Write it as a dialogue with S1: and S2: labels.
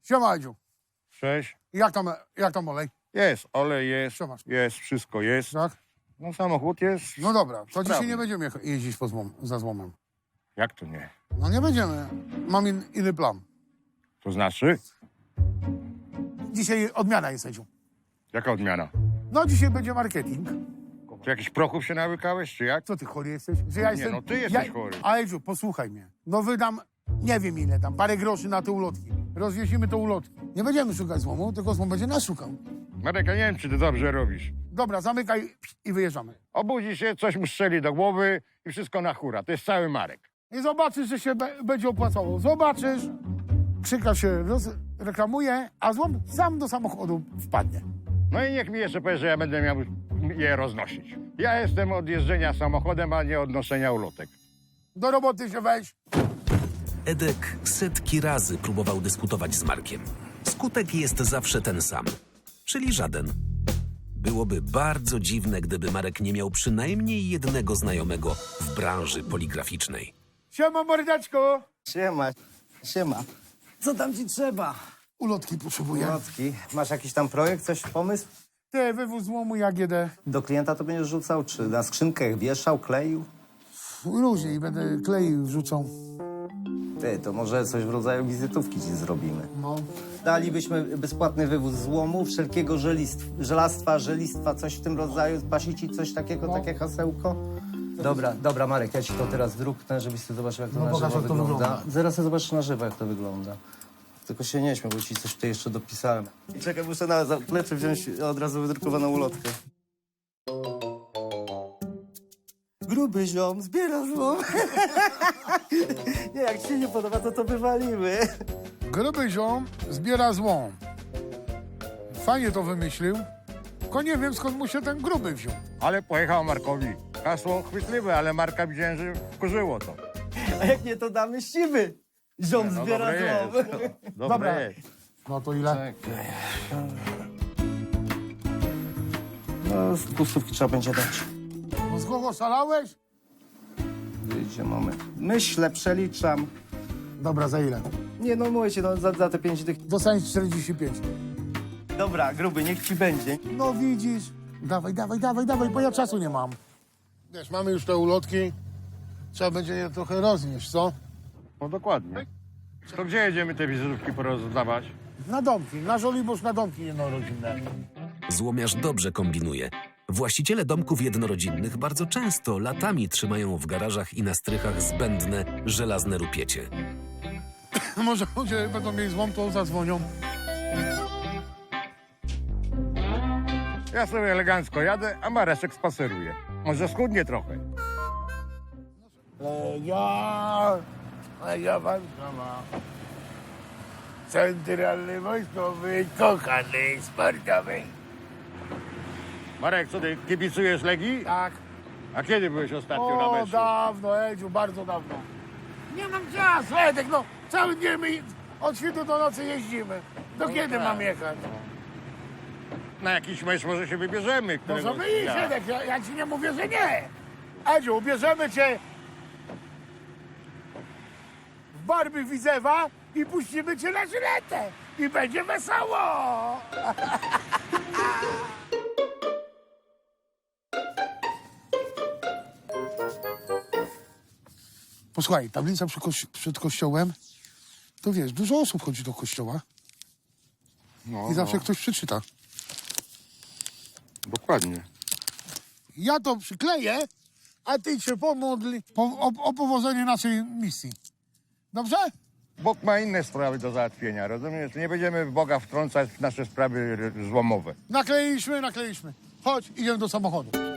S1: Siema, Edziu.
S2: Cześć.
S1: Jak tam olej?
S2: Jest, olej jest,
S1: Co masz?
S2: jest, wszystko jest.
S1: Tak?
S2: No samochód jest.
S1: No dobra, to dzisiaj
S2: sprawny.
S1: nie będziemy jeździć za złomem.
S2: Jak to nie?
S1: No nie będziemy. Mam inny plan.
S2: To znaczy?
S1: Dzisiaj odmiana jest, Edziu.
S2: Jaka odmiana?
S1: No dzisiaj będzie marketing.
S2: Czy jakiś prochów się nawykałeś, czy jak?
S1: Co ty chory jesteś? Że ja jestem...
S2: no ty jesteś chory.
S1: A Edziu, posłuchaj mnie. No wydam, nie wiem ile tam, parę groszy na te ulotki. Rozwiesimy te ulotki. Nie będziemy szukać złomu, tylko złom będzie nas szukał.
S2: Marek, ja nie wiem, czy ty dobrze robisz.
S1: Dobra, zamykaj i wyjeżdżamy.
S2: Obudzi się, coś mu strzeli do głowy i wszystko na hura. To jest cały Marek.
S1: I zobaczysz, że się będzie opłacało. Zobaczysz, krzyka się reklamuje, a złom sam do samochodu wpadnie.
S2: No i niech mi jeszcze powie, że ja będę miał je roznosić. Ja jestem od jeżdżenia samochodem, a nie od noszenia ulotek.
S1: Do roboty się weź.
S3: Edek setki razy próbował dyskutować z Markiem. Skutek jest zawsze ten sam, czyli żaden. Byłoby bardzo dziwne, gdyby Marek nie miał przynajmniej jednego znajomego w branży poligraficznej.
S1: Siema, mordeczko.
S4: Siema, siema. Co tam ci trzeba?
S1: Ulotki potrzebuję.
S4: Ulotki. Masz jakiś tam projekt, coś, pomysł?
S1: Ty, wywóz złomu jak jedę.
S4: Do klienta to będziesz rzucał, czy na skrzynkach wieszał, kleił?
S1: Różnie będę kleił, wrzucał.
S4: Ty, to może coś w rodzaju wizytówki ci zrobimy.
S1: No.
S4: Dalibyśmy bezpłatny wywóz złomu, wszelkiego żelistwa, coś w tym rodzaju. Pasi ci coś takiego,
S1: No.
S4: takie hasełko? Dobra, Marek, ja ci to teraz druknę, żebyś sobie zobaczył, jak to
S1: No
S4: na
S1: pokaż,
S4: żywo
S1: jak to wygląda.
S4: Zaraz sobie zobaczysz na żywo, jak to wygląda. Tylko się nie śmiał, bo ci coś tutaj jeszcze dopisałem. Czekaj, muszę na zaplecze wziąć od razu wydrukowaną ulotkę. Gruby ziom, zbiera złom. Nie, jak ci się nie podoba, to wywalimy.
S1: Gruby ziom zbiera złom. Fajnie to wymyślił. Tylko nie wiem, skąd mu się ten gruby wziął.
S2: Ale pojechał Markowi. Hasło chwytliwe, ale Marka widziałem, że wkurzyło to.
S4: A jak nie, to damy siwy. Ziom
S2: No
S4: zbiera
S2: dobre
S4: złom.
S2: jest.
S1: Dobra.
S2: Dobre jest.
S1: No to ile?
S4: No, z pustówki trzeba będzie dać.
S1: No z kogo szalałeś?
S4: Wyjdzie moment. Myślę, przeliczam.
S1: Dobra, za ile?
S4: Nie, no mówię ci, no, za te 5 dych.
S1: Dostaniesz 45.
S4: Dobra, gruby, niech ci będzie.
S1: No widzisz. Dawaj, bo ja czasu nie mam. Wiesz, mamy już te ulotki. Trzeba będzie je trochę roznieść, co?
S2: No dokładnie. To gdzie jedziemy te wizytówki porozdawać?
S1: Na domki, na Żoliborz, na domki jednorodzinne.
S3: Złomiarz dobrze kombinuje. Właściciele domków jednorodzinnych bardzo często latami trzymają w garażach i na strychach zbędne, żelazne rupiecie.
S1: Może ludzie będą mieli złom, to zadzwonią.
S2: Ja sobie elegancko jadę, a Mareczek spaceruje. Może schudnie trochę.
S1: Legia Warszawa. Centralny wojskowy, kochany sportowy.
S2: Marek, co ty, kibicujesz Legii?
S1: Tak.
S2: A kiedy byłeś ostatnio na
S1: O,
S2: meczu?
S1: dawno, Edziu, bardzo dawno. Nie mam czasu, Edek, no. Cały dzień my od świtu do nocy jeździmy. Do kiedy
S2: tak.
S1: mam jechać?
S2: Na jakiś mecz może się wybierzemy. któregoś
S1: Możemy iść,
S2: dnia.
S1: Edek, ja ci nie mówię, że nie. Edziu, ubierzemy cię w barwy Widzewa i puścimy cię na żyletę. I będzie wesoło. Posłuchaj, tablica przed kościołem, to wiesz, dużo osób chodzi do kościoła
S2: No,
S1: i zawsze ktoś przeczyta.
S2: Dokładnie.
S1: Ja to przykleję, a ty się pomódl o powodzenie naszej misji. Dobrze?
S2: Bóg ma inne sprawy do załatwienia, rozumiesz? Nie będziemy w Boga wtrącać w nasze sprawy złomowe.
S1: Nakleiliśmy. Chodź, idziemy do samochodu.